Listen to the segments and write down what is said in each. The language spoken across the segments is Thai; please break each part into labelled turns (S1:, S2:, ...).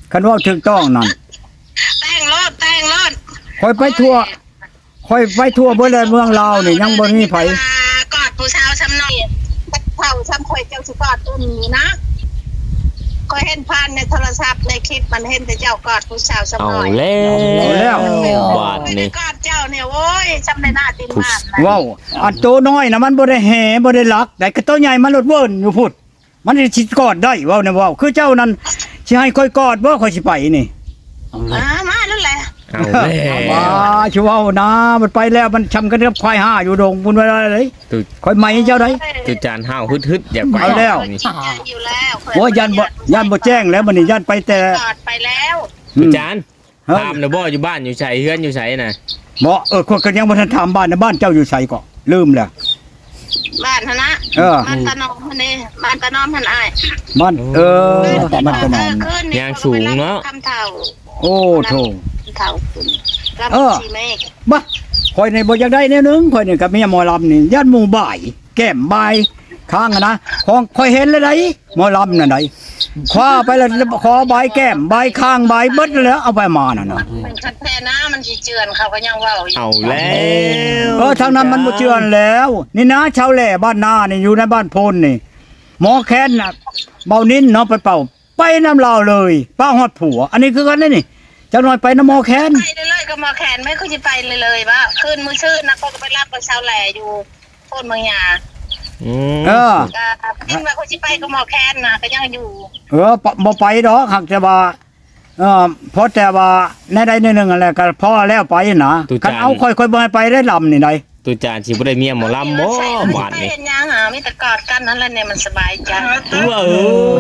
S1: คันว่าถูกต้องนั่น
S2: แต่งรถ
S1: คอยไปทั่วเบิดเลยเมืองลาวนี่ยังบ่มีไผ
S2: กอดผู้สาวซ้ำหน่อยเฒ่าซ้ำข่อยเจ้าสิกอดตัวนี้นะก็เห็นผ่านในโทรศัพท์ในคลิปมันเห็นแต่เจ้ากอดผู้สาวซ้ำหน่อย
S3: บาทนี่
S2: กอดเจ้าเนี่ยโว้ยซ้ำในหน้าติมมานนะ
S1: ว้าวอันโตน้อยน่ะมันบ่ได้แห่บ่ได้รักแต่ก็โตใหญ่มันลดเวิ้นอยู่พุดมันสิกอดได้เว้าเนี่ยเว้าคือเจ้านั้นสิให้ค่อยกอดบ่ค่อยสิไปนี่
S2: มาแล้วแหละ
S3: เอาแล้ว
S1: ว้าชิเว้านะมันไปแล้วมันชำกันกับควายห่าอยู่ดงบุญไว้เลย
S3: ตุ
S1: ค่อยใหม่เจ้าได้
S3: ตุจานห้าวฮึดๆอยากไป
S1: เอาแล้ว
S3: นี่
S2: อยู่แล้ว
S1: โอ้ยันบ่แจ้งแล้วมันนี่ยันไปแต่
S2: กอดไปแล้ว
S3: ตุจาน
S1: เฮ้ย
S3: ถามนะบ่อยู่บ้านอยู่ไสเฮือนอยู่ไสน่ะ
S1: บ่คนก็ยังบ่ทันถามบ้านนะบ้านเจ้าอยู่ไสก็ลืมแล้ว
S2: บ้านนะ บ้านตะนอมพันนี่บ้านตะนอมพันอ้าย
S1: บ้านมันก็นอน
S3: ยางสูงเนาะ
S2: คำเฒ่า
S1: โอ้โธ่
S2: เฒ่าคุณรับ
S1: เออ
S2: ชีเมฆ
S1: บ่ข่อยนี่บ่อยากได้แนวนึงข่อยนี่กับเมียหมอลำนี่ยันหมู่บ่ายแก้มบ่ายข้างอะนะของข่อยเห็นเลยได้หมอลำนั่นไดคว้าไปแล้วขอบ่ายแก้มบ่ายข้างบ่ายเบิดแล้วเอาไปมานั่นน่ะ
S2: มันคัดแท้นะมันสิเจือนเขาก็ยังเว้าอยู่
S3: เอาแล้ว
S1: ทางนั้นมันบ่เชื่อแล้ว นี่นะชาวแหล่บ้านนานี่อยู่ในบ้านโพนนี่หมอแค้นน่ะเบานิ้นเนาะไปเป่าไปน้ำลาวเลยป้าฮอดผัว อันนี้คือกันนี่จักหน่อยไปน้ำหมอแค้น
S2: ไปเลยก็มาแขนไม่ค่อยจะไปเลยว่าคืนมื้อชื่นนะก็ไปรับกับชาวแหล่อยู่โพนเมืองยา
S3: อืม
S1: เออ
S2: ก็คิดว่าเขาสิไปก็มาแคนนะก็ยังอยู่
S1: บ่ไปดอกหักแต่ว่าเพราะแต่ว่าในใดในหนึ่งอะไรก็พอแล้วไปนะคันเอาค่อยๆบ่ให้ไปได้ลำนี่ได
S3: ตุจานสิบ่ได้เมียหมอลำบ่บาทนี่
S2: เห็นยังมีแต่กอดกันนั่นแหละเนี่ยมันสบายใจ
S3: ว้าว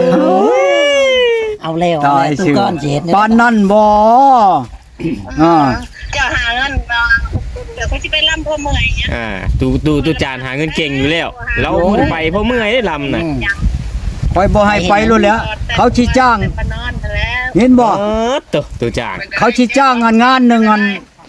S4: เอาแล้ว
S1: ตาย
S4: ตู้
S1: สิ
S4: ก้อนเจ็ด
S1: ปานนั้นบ่า
S2: เจ้าหาเงินมาเดี๋ยวเขาสิไปล่ำพ่อเมื่อยเนี่ย
S3: ตุจานหาเงินเก่งอยู่แล้วเราบ่ได้ไปเพราะเมื่อยได้ลำน่ะ
S1: ค่อยบ่ให้ไปรู้แล้ว เขาสิจ้าง
S2: ไปนอนแล้ว
S1: เห็นบ่
S3: ตุจาน
S1: เขาสิจ้างงานหนึงอัน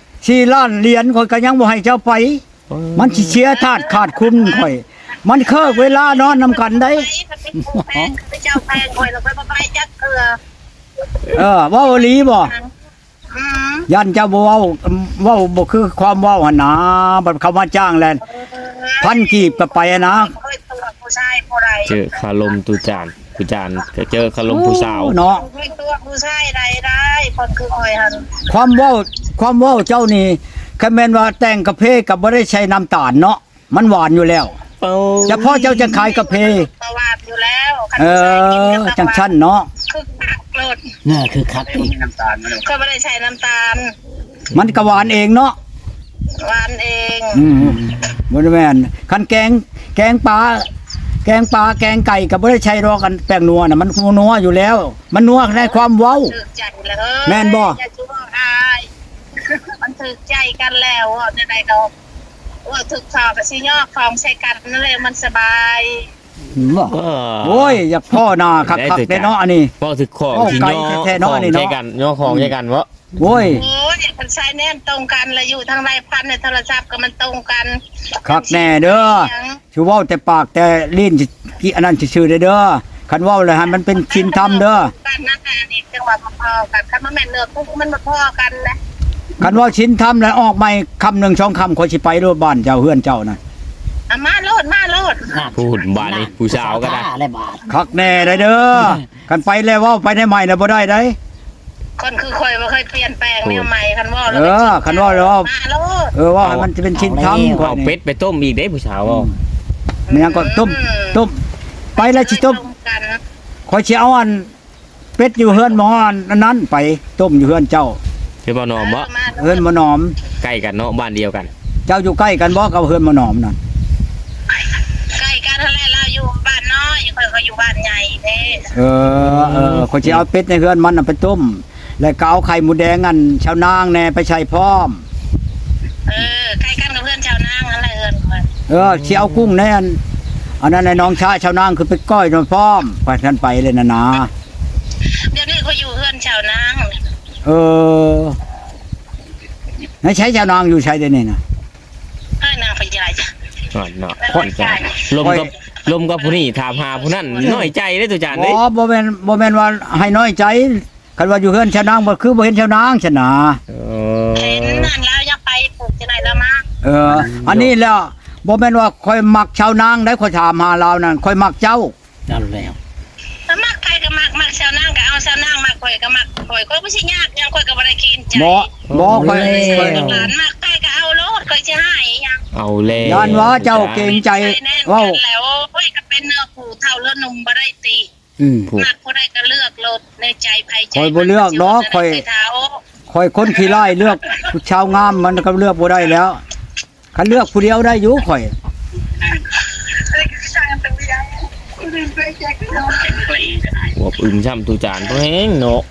S1: 4ล้านเหรียญข่อยก็ยังบ่ให้เจ้าไป มันสิเสียธาตุขาดคุณข่อย มันเคิกเวลานอนนำกันได้
S2: แพงไปเจ้าแพงคอยเราไปจักเกลือ
S1: เว้าอีหลีบ่
S2: อืม
S1: ยันเจ้าบ่เว้าบ่คือความเว้าหั่นนะบัดเขามาจ้างแล้วพันกีบก็ไปอะนะ
S2: เคยตัวผู้ชายผู้ใด
S3: เจอคารมตุจานก็เจอคารมผู้สาว
S1: เนาะ
S2: เคยตัวผู้ชายใดได้คนคือคอยหัน
S1: ความเว้าเจ้านี่คันแม่นว่าแต่งกาแฟก็บ่ได้ใช้น้ำตาลเนาะมันหวานอยู่แล้วเฉพาะเจ้าจะขายกาแฟ
S2: ประวัติอยู่แล้ว
S1: จังชั้นเนาะ
S2: คือหักโลด
S4: น่าคือคักอีก
S2: ก็ไม่ได้ใช้น้ำตาล
S1: มันก็หวานเองเนาะ
S2: หวานเอง
S1: บ่ได้แม่นคันแกงปลาแกงไก่ก็บ่ได้ใช้รอกันแป้งนัวน่ะมันนัวอยู่แล้ว มันนัวในความเว้า
S2: ถึกใจเลย
S1: แม่นบ่
S2: อย่าชั่วอายมันถึกใจกันแล้วจะได้ดอกว่าถึกขอบกับสิยอกของใช้กันนั่นเลยมันสบาย
S4: บ่
S1: โอ้ยอยากพ่อหน้าคักๆได้เนาะอันนี้
S3: บ่ถึกของที่ย่อ
S1: แท้ๆเนาะนี่เนาะ
S3: ใช่กันย่อของใช่กันวะ
S1: โอ้ย
S2: โอ้ยมันใช้แน่นตรงกันเลยอยู่ทางไรพันในโทรศัพท์ก็มันตรงกัน
S1: คักแน่เด้อชูเว้าแต่ปากแต่ลิ้นสิกี่อันนั้นซื่อๆเด้อคันเว้าเลยให้มันเป็นชินธรรมเด้อ
S2: กันนั่นแหละนี่จังหวะพอๆกันคันมันแม่นเลือกพวกมันมาพอกันนะ
S1: คันว่าชินธรรมแล้วออกใหม่คำหนึ่งสองคำข่อยสิไปโลดบ้านเจ้าเฮือนเจ้าน่ะ
S2: มาโลด
S3: พูดบ้านนี่ผู้สาวก็ได้
S4: อะไรบาท
S1: คักแน่ได้เด้อกันไปแล้วเว้าไปได้ใหม่แล้วบ่ได้ได้
S2: คนคือคอยบ่เคยเปลี่ยนแปลงแนวใหม่คันว่า
S1: คันว่าแล้ว
S2: มาโลด
S1: ว่าให้มันจะเป็นชินธรรมก่อน
S3: เอา
S1: นี่
S3: เป็ดไปต้มอีกเด้ผู้สาวบ่
S1: มันยังก็ต้มไปแล้วสิต้ม
S2: กัน
S1: ข่อยสิเอาอันเป็ดอยู่เฮือนหมออันนั้นไปต้มอยู่เฮือนเจ้า
S3: คือบ่นอมบ่
S1: เฮือนหมอหนอม
S3: ใกล้กันเนาะบ้านเดียวกัน
S1: เจ้าอยู่ใกล้กันบ่กับเฮือนหมอหนอมนั่น
S2: ใกล้กันนั่นแหละเราอยู่บ้านน้อยคอยก็อยู่บ้านใหญ่เด้
S1: ข่อยสิเอาเป็ดในเฮือนมันน่ะไปต้ม แล้วก็เอาไข่หมูแดงอันชาวนางแน่ไปใช้พร้อม
S2: ใกล้กันกับเพื่อนชาวนางนั่นแหละ
S1: สิเอากุ้งแน่อันนั้นในน้องชายชาวนางคือไปก้อยนพร้อมไปท่านไปเลยนะ
S2: เดี๋ยวนี้เขาอยู่เพื่อนชาวนาง
S1: ไหนใช้ชาวนางอยู่ใช้ได้นี่นะ
S2: นางพญาจ้ะ
S3: เนาะลมกับผู้นี้ถามหาผู้นั้นน้อยใจเด้อตุจาน
S1: อ๋
S3: เด้
S1: อบ่แม่นว่าให้น้อยใจคันว่าอยู่เฮือนชาวนางบ่คือบ่เห็นชาวนางชนะ
S3: เอ
S2: เห็น
S3: อ
S2: นั่นแล้วยังไปปลูกที่ไหนแล้วมา
S1: อันนี้แล้วบ่แม่นว่าค่อยมักชาวนางได้ค่อยถามหาเรานั่นค่อยมักเจ้า
S4: เอาแล้ว
S2: ถ้ามักใครก็มักชาวนางก็เอาชาวนางมักข่อยก็มักข่อยบ่สิยากยังข่อยก็บ่ได้กินใจ
S1: บ่ค่อย
S2: ข่อยหลานมักใครก็เอาโลดข่อยสิให้ยัง
S3: เอาแล้ว
S1: ย้านว่าเจ้าเก่งใจเว้า
S2: แล้วโอ้ยก็เป็นเนื้อผู้เท่าเลือดนมบ่ได้ตี
S3: ผูก
S2: มักผู้ใดก็เลือกโลดในใจไผใจ
S1: ข่อยบ่เลือกดอกข่อย ค่อยคนขี้ร้ายเลือกผู้ชาวงามมันก็เลือกบ่ได้แล้วคันเลือกผู้เดียวได้อยู่ข่อย
S3: หัวอึมช่ำตูจานตัวแห้งเนาะ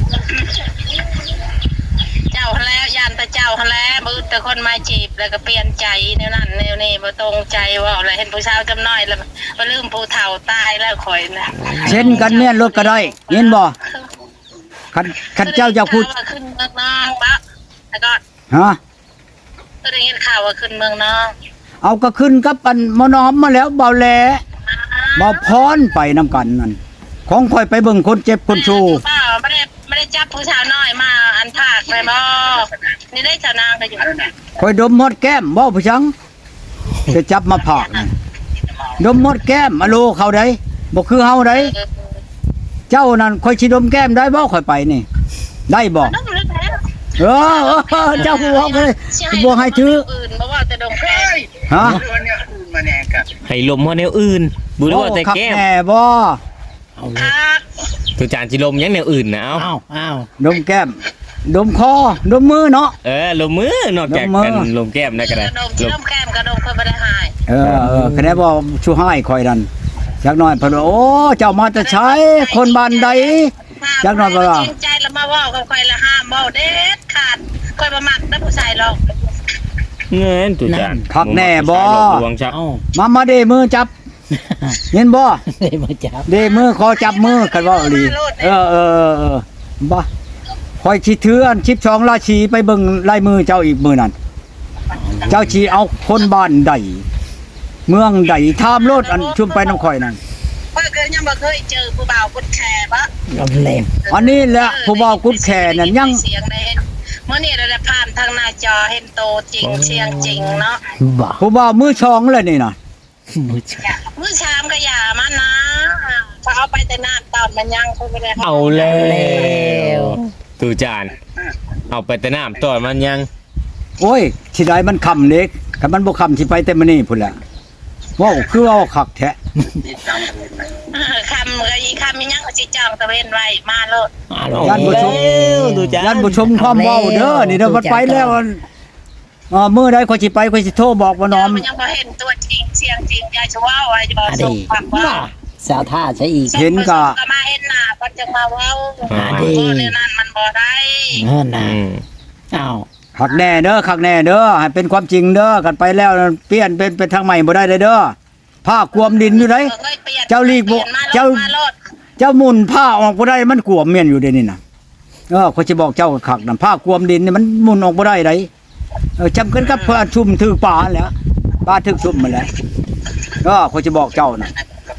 S2: เจ้าแล้วยานแต่เจ้าแล้วมือแต่คนมาจีบแล้วก็เปลี่ยนใจแนวนั้นแนวนี้บ่ตรงใจว่าอะไรเห็นผู้สาวจำน้อยแล้วบ่ลืมผู้เฒ่าตายแล้วข่อยนะ
S1: เช่นกันแม่นรถก็ได้เห็นบ่คันเจ้าอยากพูด
S2: ขึ้นเมืองนองปะแล้วก็
S1: ฮะ
S2: ก็ได้ยินข่าวว่าขึ้นเมืองนอง
S1: เอาก็ขึ้นกับอันมอน้อมมาแล้วเบาแลเบาพรไปนำกันนั่นของข่อยไปเบิ่งคนเจ็บคนชู
S2: ไม่ได้จับผู้สาวน้อยมาอันภาคเลยบ่นี่ได้ชาวนางก็อยู่
S1: ข่อยดมหมดแก้มบ่ผู้ชังจะจับมาผากนั่นดมหมดแก้มอะโลเขาได้บ่คือเฮาได้เจ้านั่นข่อยสิดมแก้มได้บ่ข่อยไปนี่ ได้บ่
S2: น้องเลยแล้ว
S1: เจ้าผู้เว้าก็เลยบ่ให้ถือ
S2: อื่นบ่ว่าแต่ดงแค่
S1: ฮะ
S3: ให้ลมเฮาแนวอื่นบ่รู้ว่าแต่แก้ม
S1: โอ้คัแน่บ่
S4: เอาเลย
S2: พัก
S3: ตูจานสิลมยังแนวอื่นนะเอา
S4: อ้าว
S1: ดมแก้ม ดมคอ ดมมือเนาะ
S3: ลมมือนอกจากกันลมแก้มได้ก็ได้
S2: กระดมที่น้ำแก้มกระดมเคยไม่ได้หาย
S1: คะแนนบ่ชูให้คอยดันจักหน่อยเพิ่นว่าโอ้เจ้ามาแต่ใช้คนบ้านใด จักหน่อยบ่ล่ะ
S2: จริงใจแล้วมาว่ากับใครละห้ามบ่เด็ดขาดคอยประมักได้ผู้ชายหรอก
S3: เงินตูจาน
S1: คักแน่บ่
S3: ดวงชัก
S4: เอา
S1: มาเดมือจับ เห็นบ่
S4: ได้มาจับ
S1: เดมือขอจับมือกันว่าอีหลีบ่คอยสิถืออัน12ราชีไปเบิ่งลายมือเจ้าอีกมือนั่นเจ้าสิเอาคนบ้านใดเมืองใดถามโลดอันชุมไปน้ำข่อยนั่น
S2: เพื่อยังบ่เคยเจอผู้บ่าวคนแค่ปะ
S4: เอาแล้ว
S1: อันนี้แหละผู้บ่าวกุดแขนั่นยัง
S2: เสียงได้เห็นเมื่อนี้เราได้ผ่านทางหน้าจอเห็นโตจริงเสียงจริงเนาะ
S4: บ่า
S1: ผู้บ่าวมือชองเลยนี่น่ะ
S4: มือจับ
S2: มื้อชามก็อย่ามานะถ้าเอาไปแต่น้ำตอนมันยังคงไม่ได้
S3: เอาแล้วตูจานเอาไปแต่น้ำต่อมันยัง
S1: โอ้ยสิได้มันคำเล็กคันมันบ่คำสิไปแต่มื้อนี้พุ่นแหละว้าวคือว่าคักแท้
S2: คำก็อีคำมียังก็สิจองตะเวนไว้มาโลด
S1: ย่านบ่ชม
S3: ตูจาน
S1: ย่านบ่ชมความเว้าเด้อนี่เด้อมันไปแล้วมื้อใดข่อยสิไปข่อยสิโทรบอกว่าน้อม
S2: มันยังบ่เห็นตัวจริงเสียงจริงยายจะว่าไว้จะบอก
S4: อัน
S2: ส่ง
S4: นี้
S2: ฟังว่า
S4: สาวท่าใช่อีก
S1: เห็นก็
S2: ก็มาเห็นหน้าก็จะมาเว้า
S4: ดี
S2: เรื่องนั้นมันบ่ได้
S4: เงินนะ
S3: อืม
S4: อ้าว
S1: คักแน่เด้อคักแน่เด้อให้เป็นความจริงเด้อกันไปแล้วเปลี่ยนเป็นทางใหม่บ่ได้เลยเด้อผ้ากวมดินอยู่ได
S2: เคยเปลี่ยน
S1: เจ้าลีกบ่
S2: ปลี่ยนมา
S1: เจ้า
S2: มาโลด
S1: เจ้าหมุนผ้าออกบ่ได้มันกวมเมียนอยู่เด้นี่น่ะข่อยสิบอกเจ้าคักน่ะผ้ากวมดินนี่มันหมุนออกบ่ได้ไดจำกันกับเพื่อนชุมถือป่าแหล้วป่าถึกชุมมาแหล้วข่อยสิบอกเจ้าน่ะ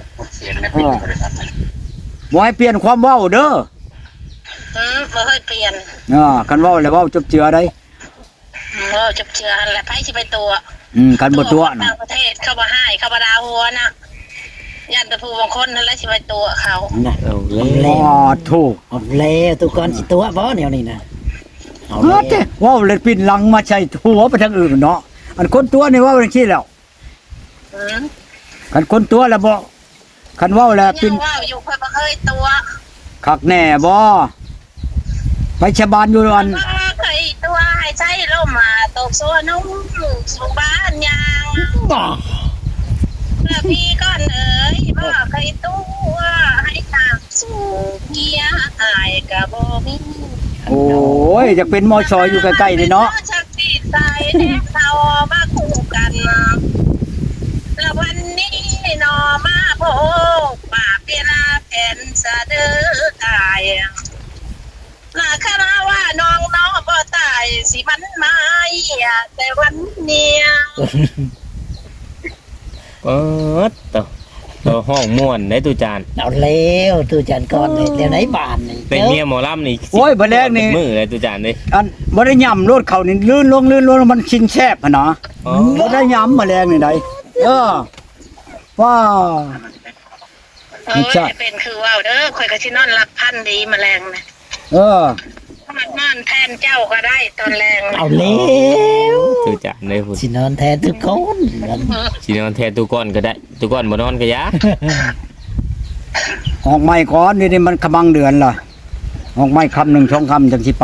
S1: บ่ให้เปลี่ยนความเว้าเด้อ
S2: บ่เคยเปลี่ยน
S1: คันเว้าแล้วเว้าจบเจือได้
S2: จับเชื่อหั่นแหละไผสิไปตัว
S1: คันบ่ตัวน่ะ
S2: ต่างประเทศเขาบ่ให้เขาบ่ดาหัวนะยันแต่ผู้บางคนนั่นแหละสิไปตัวเขา
S4: นะ
S3: เอา
S4: เอา
S3: แล้
S4: แล้ว ว
S1: ถูก
S4: เอาแล้วตุกคนสิตัวบ่แนวนี้นะเอา
S1: เฮ้
S4: แล้ว
S1: ยเว้าเลยปิ่นหลังมาใช้หัวไปทางอื่นเนาะอันคนตัวนี่เว้าจังซี่แล้ว
S2: อืม
S1: คันคนตัวแล้วบ่คันเว้าแล้ว
S2: ยั
S1: ปิ่น
S2: งว่าอยู่ค่อยบ่เคยตัว
S1: คักแน่บ่ไปชะบานอยู่อัน
S2: ว่าเคยตัวให้ใช้ลมมาตกโซนุ่มสู่บ้านยาง
S4: บ่
S2: เพื่อพี่ก้อนเอ๋ยบ่เคยตัวให้ทางสู่เกียร์อายก็บ่มี
S1: โอ้ยจะเป็นมอชอยอยู่ใกล้ๆนี่เนาะ
S2: ชักที่ใส่แนบเขามาคู่กันแล้ววันนี้นอมาโพกป่าเปลาแผ่นสะเดือตายน่าคณะว่าน้องบ่ตายสิมันมาแต่วันเนี้ย
S3: เปิดต่อตัวห้องม่วนได้ตุจาน
S4: เอาแล้วตู้จันก่อนเลยเดี๋ยวไหนบานนี่
S3: เป็นเมียหมอลำนี่
S1: โอ้ยบ่แรกนี่
S3: มือเลยตุจานเลย
S1: อันบ่ได้ย่ำรถเขานี่ลื่นลงมันชินแซบหั่นนะบ่ได้ย่ำแมลงนี่ใดว่า
S2: เอ้ยเป็นคือว่าวเด้อข่อยก็สินอนรับพันดีแมลงนะ มันนอนแทนเจ้าก็ได้ตอนแรง
S4: เอาแล้ว
S3: ตุจานเลยพุ่น
S4: สินอนแทนทุกคน
S3: สินอนแทนตุก้อนก็ได้ตุก้อนบ่นอนก็ยา
S1: ออกไม้ก่อนนี่มันกำลังเดือนล่ะออกไม้คำหนึ่งช่องคำจังสิไป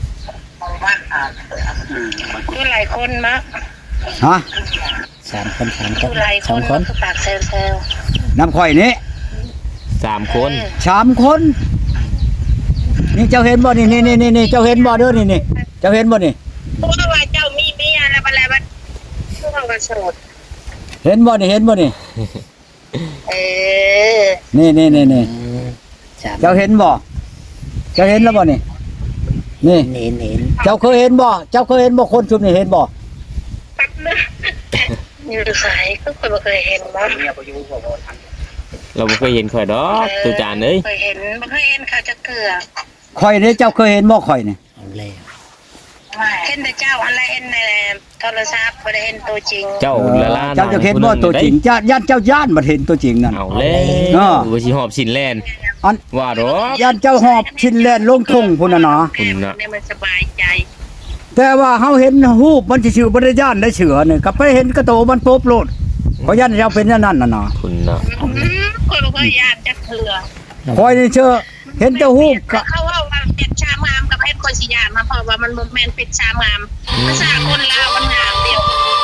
S2: คือหลายคนมะ
S1: ฮะ
S4: 3 คน
S2: คือหลายคน
S4: 2 คน
S2: คือปากเซลเซล
S1: น้ำข่อยนี่
S3: 3 คน
S1: 3 คน นี่เจ้าเห็นบ่นี่เจ้าเห็นบ่เด้อนี่เจ้าเห็นบ่นี่
S2: เพราะว่าเจ้ามีเมียแล้วอะไรบ้างพวกเราก็โสด
S1: เห็นบ่นี่
S2: เออ
S1: นี่
S4: 3
S1: เจ้าเห็นบ่เจ้าเห็นแล้วบ่นี่นี่
S4: เห็น
S1: เจ้าเคยเห็นบ่คนชุมนี่เห็นบ่
S2: แป๊บนึงอยู่สายก็เคยบ่เคยเห็นมั้ง
S3: เราบ่เคยเห็นข่อยดอกตุจานเอ้ย
S2: เคยเห็นบ่เคยเห็นเขาจะเกลือ
S1: ข่อยนี่เจ้าเคยเห็นบ่ข่อยนี่
S4: เอาแล้ว
S2: เห็นแต่เจ้าอะไรเห็นในโทรศัพท์บ่ได้เห็นตัวจริง
S3: เจ้าละลา
S1: เจ้าจะเห็นบ่ตัวจริงย่านเจ้าย่านบ่เห็นตัวจริงนั่น
S3: เอาแล้ว บ่สิหอบสินแล่น
S1: อัน
S3: ว่าดอก
S1: ย่านเจ้าหอบชิ้นแล่นลงทุ่งพุ่นน่ะนะ
S3: คุณน่ะ
S2: เนี่ยมันสบายใจ
S1: แต่ว่าเฮาเห็นรูปมันสิชื่อบ่ได้ย่านได้เสือนี่ก็ไปเห็นกระโตมันโป๊บโลดเพราะย่านเจ้าเป็นอย่างนั้นน่ะนะ
S3: คุณน่ะ
S2: คนบ่เคยยานจะเกลือ
S1: ข่อยนี่เชื่อเห็นแต่รูปก็
S2: เขาว่าเป็ดชามงามกับเพชรคนสิยานมาเพราะว่ามันบ่แม่นเป็ดชามงามภาษาคนลาวมันงามเดียว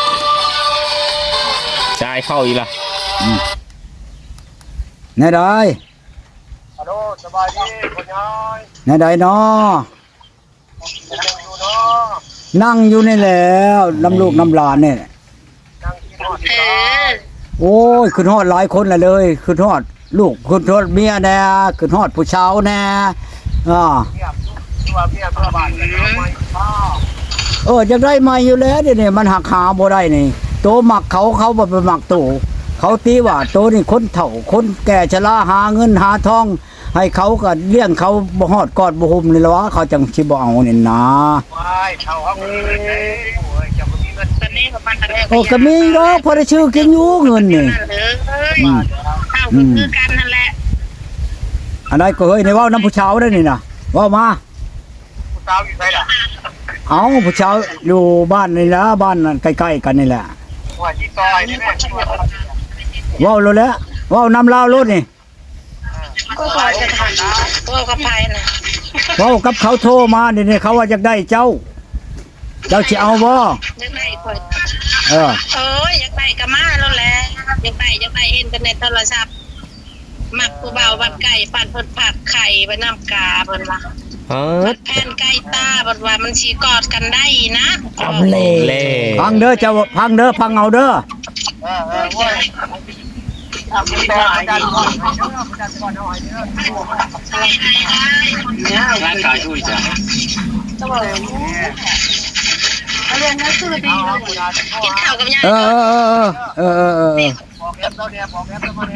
S3: ชายเข้าอีกล่ะ
S1: แน่ใด
S5: ฮัลโหลสบายดีคนย้อย
S1: แน่ใดเนาะ
S5: ยังอยู่เนาะ
S1: นั่งอยู่นี่แล้วน้ำลูกน้ำหลานนี่
S5: นั่งกินฮอด
S2: เออ
S1: โอ้ยขึ้นฮอดหลายคนละเลยขึ้นฮอดลูกขึ้นฮอดเมียแน่ขึ้นฮอดผู้ชาวแน่
S5: เมียตัวบ้านกันเอาไว้พ่อ
S1: จะได้มาอยู่แล้วเดี๋ยวนี้มันหักหาบ่ได้นี่โตหมักเขาบ่ไปหมักโตเขาตีว่าโตนี่คนเฒ่าคนแก่ชราหาเงินหาทอง ให้เขาก็เลี้ยงเขาบ่ฮอดกอดบ่หุมนี่ล่ะวะเขาจังสิบ่เอานี่นะ
S5: ไว้เท่าเอาเงินไปเลยโอ้ยจะบ่มีเงิน
S2: ตอนนี้ประมาณตอนแรก
S1: โอ้ก็มีดอกพอได้ชื่อกินอยู่เงินนี่
S2: เลยข้าวคือกันนั่นแหละ
S1: อันใดก็เฮ้ยในเว้าน้ำผู้ชาวได้นี่น่ะเว้ามา
S5: ผู้สาวอยู่ไสล่ะ
S1: เอาผู้ชาวอยู่บ้านนี่ล่ะบ้านนั่นใกล้ๆกันนี่แหละ
S5: ว่าที่ซอยนี่แม่ช่วย
S1: เว้าโลดแล้วเว้าน้ำลาวโลดนี่
S2: ก็พอจะทันก็กระพายนะ
S1: เว้ากับเขาโทรมานี่เขาว่าอยากได้เจ้าสิเอาบ่
S2: ยังไงคน
S1: เออ
S2: โอ้ยยังไงก็มาแล้วแหละยังไงเห็นกันในโทรศัพท์มักผู้เบาบัดไก่ปั่นเพิ่นผัดไข่ไปน้ำกาเพิ่นว่า แผ่นไก่ตาบอกว่ามันสีกอดกันได้นะ
S4: เอาแล้ว
S3: เล่
S1: พังเด้อเจ้าพังเด้อพังเอาเด้อ
S5: เว้ยทำเป็นอาจารย์ก่อนอาจารย์ก่อนเอาให้เด้อ
S3: ร่างกายช่วยจ้ะ
S2: เรียนหนังสือดีเลยกินข้าวกับยาย
S1: เออ
S5: บอกแอปเราเนี่ยบอกแอปเราเนี่ย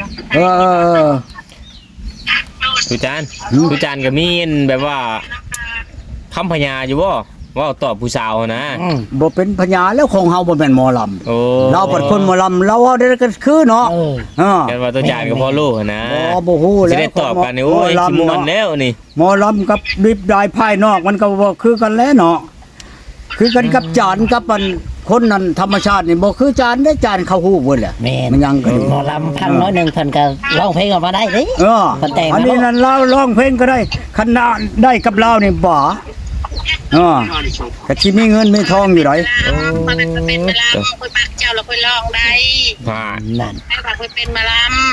S3: ตุจานตุจานก็มีอันแบบว่าคำพญาอยู่บ่ว่าตอบผู้สาวนะ
S1: บ่เป็นพญาแล้วของเฮาบ่แม่นหมอลำ
S3: โอ้
S1: เราเป็นคนหมอลำเราเอาได้ก็คือเนาะ
S3: กันว่าตุจานก็พอรู้นะ
S1: บ่ฮู้
S3: สิ
S1: แล้ว
S3: ได้ตอบกันนี่โอ้ยสิม่วนแล้วนี่
S1: หมอลำกับดิบดายภายนอกมันก็บ่คือกันแล้วเนาะคือกันกับจานกับมันคนนั้นธรรมชาตินี่บ่คือจานได้จานเขาฮู้เบิดแหละ
S4: แม่
S1: มันยังก็อยู่
S4: หมอลำพังน้อยหนึงเพิ่นก็ร้องเพลงออกมาได้เด้ มันแต่งนะ
S1: อันนี้นั่นเราร้องเพลงก็ได้คันนาได้กับเรานี่บ่ก็สิมีเงินมีทองอยู่ได
S2: มันเป็นมาลำคุยปากเจ้าเราคุยลองได้
S3: ว่า
S4: นั่น
S2: ให้ปากคุยเป็นมาล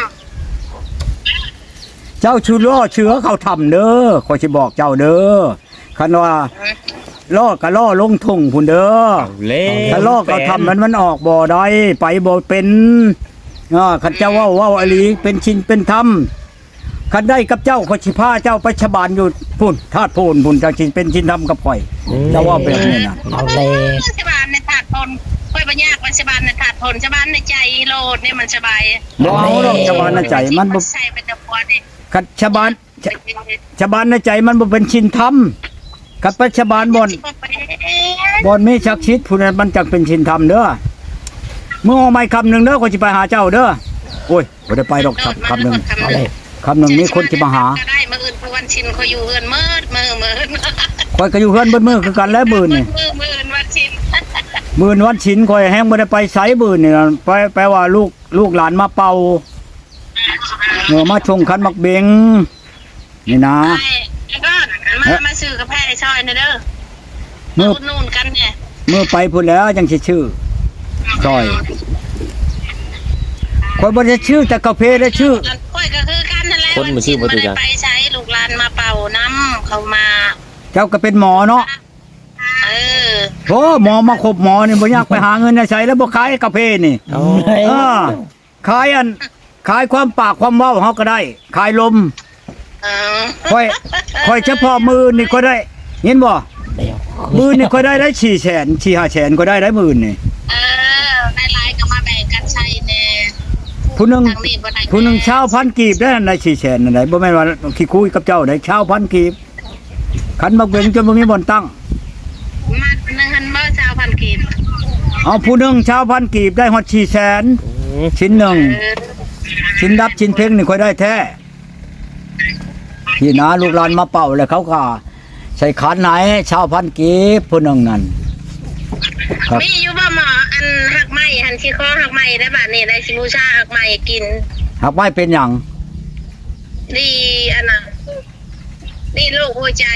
S1: เจ้าชูล้อเชื้อเขาทำเด้อขอยสิบอกเจ้าเด้อคันว่าล่อก็ล่อลงทุ่งพุ่นเด้อ
S3: เล่
S1: ถ้าล่อเขาทำมันออกบ่ได้ไปบ่เป็นคันเจ้าเว้าอลีเป็นชินเป็นธรรมคันได้กับเจ้าขอยสิพาเจ้าไปชบานอยู่พุ่นธาตุพูนพุ่นจังสิเป็นชินธรรมกับข่อยเจ้าว่าเป็นนี่นะ
S4: เอาแล้ว
S2: ำที่บ้านในถาดตนคุยไปยากมันสบายนะขาดผลสบายในใจโลดเนี่ยมันสบาย
S1: บ่เอาดอกชาวบ้านในใจมันบ่
S2: ใช่เป็นตะปวดนี่
S1: คัดชาวบ้านในใจมันบ่เป็นชินธรรมคัดปัจจุบันบ่อนมีชักชิดผู้นั้นมันจักเป็นชินธรรมเด้อเมื่อเอาไม้คำหนึงเด้อก็สิไปหาเจ้าเด้อโอ้ยบ่ได้ไปดอกคำหนึง
S4: เอาเลย
S1: คำหนึงนี่คนสิมาหา
S2: ก็ได้มื้ออื่นวันชินเขาอยู่เฮือนมืดมือ
S1: ข่อยก็อยู่เฮือนเบิดมื้อคือกันแล้วมื้อนี่
S2: มื้ออื่นวันชิน
S1: มื้อวันฉินข่อยแฮงบ่ได้ไปไสมื้อนี่นะไปว่าลูกหลานมาเป่ามาชงคันมักเบงนี่นะ
S2: ก็มาซื้อกาแฟในซอยนะเด้อ
S1: มื้อ
S2: อุดหนุนกันเนี่ย
S1: มื้อไปพุ่นแล้วจังสิชื่อซอยข่อยบ่ได้ชื่อแต่กาแฟได้ชื่อ
S2: ค่อยก็คือกันนั่นแหละ
S3: คนบ่ชื่อบ่ตุจัน
S2: ไปใช้ลูกหลานมาเป่าน้ำเขามา
S1: เจ้าก็เป็นหมอเนาะ
S2: เออ
S1: โอ้หมอมาคบหมอนี่บ่อยากไปหาเงินใช้แล้วบ่ขายกาแฟนี่
S3: เอา
S1: ขายความปากความเว้าเฮาก็ได้ ขายลม
S2: เออ
S1: ค่อยเฉพาะมือนี่ก็ได้เห็นบ่
S4: เดี๋ยว
S1: มือนี่ก็ได้400,000 ก็ได้มือนี่
S2: เออในไลน์ก็มาแบ่งกันใช้แน่
S1: ผู้หนึง
S2: ทางนี้บ่ได้
S1: ผู้หนึงชาวพันกีบได้อันใด400,000อันใดบ่แม่นว่าขี้คุยกับเจ้าได้ชาวพันกีบคันบักเบงจนบ่มีบ่อนตั้ง
S2: มัดหนึงหันบ่ชาวพันกีบ
S1: เอาผู้หนึงชาวพันกีบได้ฮอด400,000ชิ้นหนึง
S2: เออ
S1: ชิ้นดับชิ้นเพ่งนี่ค่อยได้แท้ที่นาลูกหลานมาเป่าแล้วเขาก็ใส่ขันไหนชาวพันกีบผู้หนึงนั่นครับ
S2: มีอยู่บ่หมออันหักไม้หันสิคอหักไม้ได้บัดนี้ได้สิบูชาหักไม้กิน
S1: หากไม่เป็นหยัง
S2: ดีอันน่ะนี่โรคหัวใจ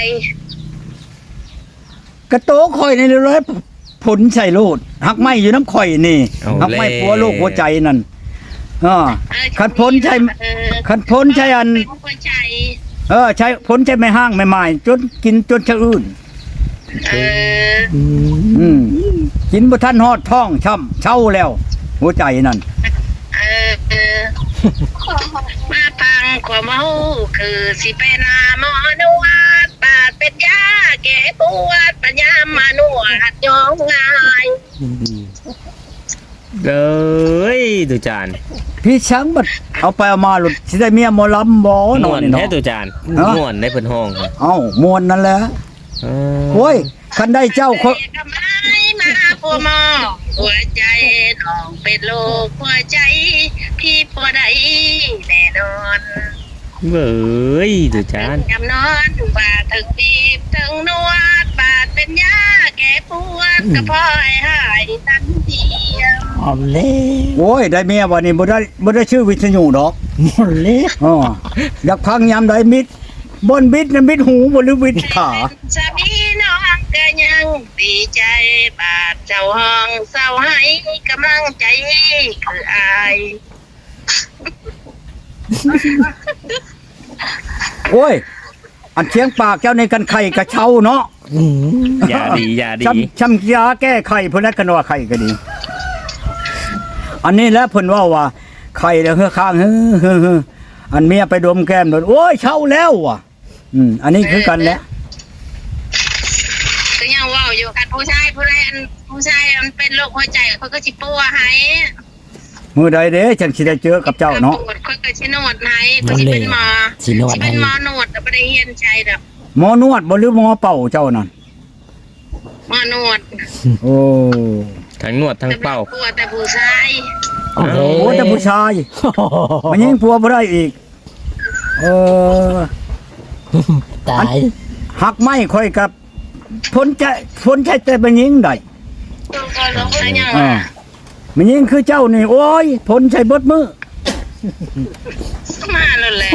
S1: กระโตข่อยนี่เลยผลใส่โลดหักไม่อยู่น้ำข่อยนี่หักไม่ปัวโรคหัวใจนั่นคันพ้นใช่คันพ้นใช่อัน
S2: เป็นหัวใจ
S1: ใช้พ้นใช่ไม่ห้างไม่หมายจนกินจนชะอื่น
S2: เออ
S1: กินบ่ทันฮอดท้องช่ำเช่าแล้ว หัวใจนั่น
S2: เออมาพังความเมาคือสิไปนาหมอนวดบาดเป็นยาแก้ปวดปัญญามานวดยองง่าย
S3: เอ้ยตุจาน
S1: พี่ช้างบัดเอาไปเอามาหลุดสิได้เมียหมอลำบ่น
S3: ม่
S1: อ
S3: วน น
S1: นี่
S3: แท้
S1: เนาะ
S3: ตุจาน
S1: ฮะ
S3: ม่วนได้เพิ่นห้องครับ
S1: เอ้าม่วนนั่นแหละ
S3: เอ
S1: โอ้ยคันได้เจ้า
S2: ทำไมมาพัวหมอหัวใจน้องเป็นโรคหัวใจพี่ปัวใดแน่นอน
S3: เอ้ยตุจาน
S2: ยำนอนบาดถึงบีบถึงนวดบาดเป็นยาแก้ปวดกระเพาะหายทันที
S4: เอาเลย
S1: โอ้ยได้เมียวันนี้บ่ได้ชื่อวิทยุดอก
S4: หมดเลย
S1: อ๋ออยากพังยามใดมิดบนบิดน่ะมิดหูบ่หรือบิดขา
S2: สามีน้องก็ยังดีใจบาดเจ้าห้องเศร้าให้กำลังใจคืออาย
S1: โอ้ยอันเชียงปากเจ้าในกันไข่กระเช้าเนาะ
S3: อย่าดี
S1: ช้ำยาแก้ไข้เพิ่นแล้วกันว่าไข่ก็ดี อันนี้แล้วเพิ่นว่าไข่แล้วเฮือข้างอันเมียไปดมแก้มโดนโอ้ยเช้าแล้วว่ะอันนี้คือกันแหละ
S2: ก็ยังว่าอยู่กันผู้ชายมันเป็นโรคหัวใจเขาก็สิปัวให้
S1: มื้อใดเด้ฉันสิได้เจอกับเจ้าเนาะ
S2: เขาก็สินวดให้เขาสิเป็นหมอ
S4: สินวด
S2: สิ
S4: ให้
S2: เป็นหมอนวดแต่บ่ได้เรียนใจดอก
S1: หมอนวดบ่หรือหมอเป่าเจ้านั่น
S2: หมอนวด
S1: โอ้
S3: ทั้งนวดทั้งเป่า
S2: ปัวแต่ผู้ชาย
S4: เอาเลย
S1: โหแต่ผู้ชายมันยิงผัวบ่ได้อีก
S4: ตาย
S1: หักไม้ค่อยกับพ้นใช้แต่มันยิงได้
S2: ก็ลงไปยัง
S1: มันยิงคือเจ้านี่โอ้ยพ้นใช้เบิดมือ
S2: มาแล้วแหละ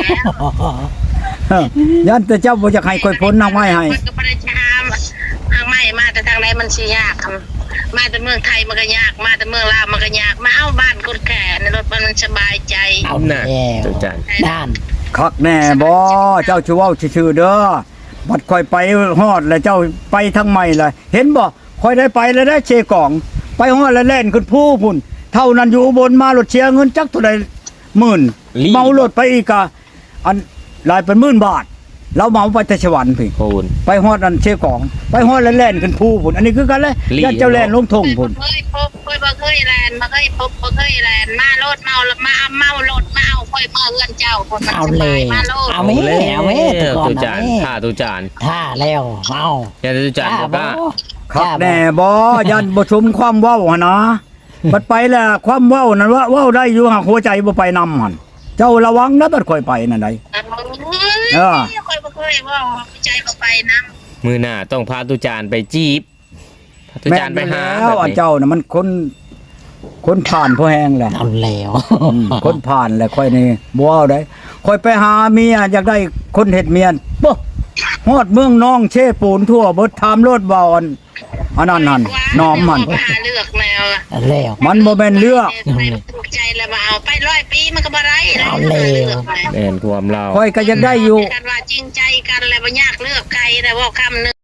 S1: ยันแต่เจ้าบ่อยากให้ค่อยพ้นหักไม้ให้
S2: มันก็บ่ได้ชามทางไม่มาแต่ทางไหนมันสิยากครับมาแต่เมืองไทยมันก็ยากมาแต่เมืองลาวมันก็ยากมาเอาบ้านคนแก่ในรถมันสบายใจ
S4: เอา
S3: น่ะ
S4: แล้ว
S3: ตุจาน
S4: ด้าน
S1: คักแน่บ่เจ้าชื่อเว้าชื่อเด้อบัดค่อยไปฮอดแล้วเจ้าไปทางใหม่เลยเห็นบ่ค่อยได้ไปแล้วได้เชกองไปฮอดแล้วแล่นขึ้นผู้พุ่นเท่านั้นอยู่อุบนมารถเชียเงินจักเท่าใดหมื่นเมารถไปอีกอันหลายเป็นหมื่นบาทเราเมาไปแต่สวรรค์พี่
S3: โพูน
S1: ไปฮอดอันเชกองไปฮอดแล้วแล่นขึ้นผู้พุ่นอันนี้คือกันเลย
S3: ลี่
S1: ยันเจ้าแล่นลงทงพุ่น
S2: เคยพบเคยบ่เคยแลนบ่เคยพบบ่เคยแลนมารถเมารถมาเมารถมาเอาค่อยมาเฮือนเจ้าคนมัน
S4: เอา
S2: ส
S4: เล
S2: บาย
S4: ย
S2: มาโลด
S4: เอาแม่เอาแม่ตุกอน
S3: ตุ
S4: เอา
S3: จาน
S4: แม่
S3: ท่าตุจาน
S4: ท่าแล้วเอา
S3: อย่าตุจานบอกว่า
S1: ครับแน่บ่ยันบ่ชุมความเว้าหั่นนะบัดไปแล้วความเว้านั่นว่าเว้าได้อยู่หากหัวใจบ่ไปนำหั่นเจ้าระวังนะบัดค่อยไปนั่นใด
S2: เออค่อยบ่เคยว่าใจบ่ไปนำ
S3: มือหน้าต้องพาตุจานไปจีบพาตุจานไปหา
S1: แล้ว
S3: แบบ
S1: อัน
S3: นี้
S1: เจ้าน่ะมันคนผ่านพอแห้งแหละ
S4: เอาแล้ว
S1: คนผ่านแหละค่อยนี่บ่เอาได้ค่อยไปหาเมียอยากได้คนเฮ็ดเมียนบ่ฮอดเมืองน้องเชปูนทั่วเบิดถามรถบ่อนอันนั้นนั่นน้อมมัน
S2: หาเลือกแนว
S4: เอาแล้ว
S1: มันบ่แม่นเลือก
S2: ไม่ถูกใจแล้วมาเอาไป100 ปีมันก็บ่ได้แล้ว
S4: เอาแล้ว
S3: แม่นความเรา
S1: ค่อยก็ยังได้อยู่
S2: กันว่าจริงใจกันแล้วบ่ยากเลือกใครแต่ว่าคำนึง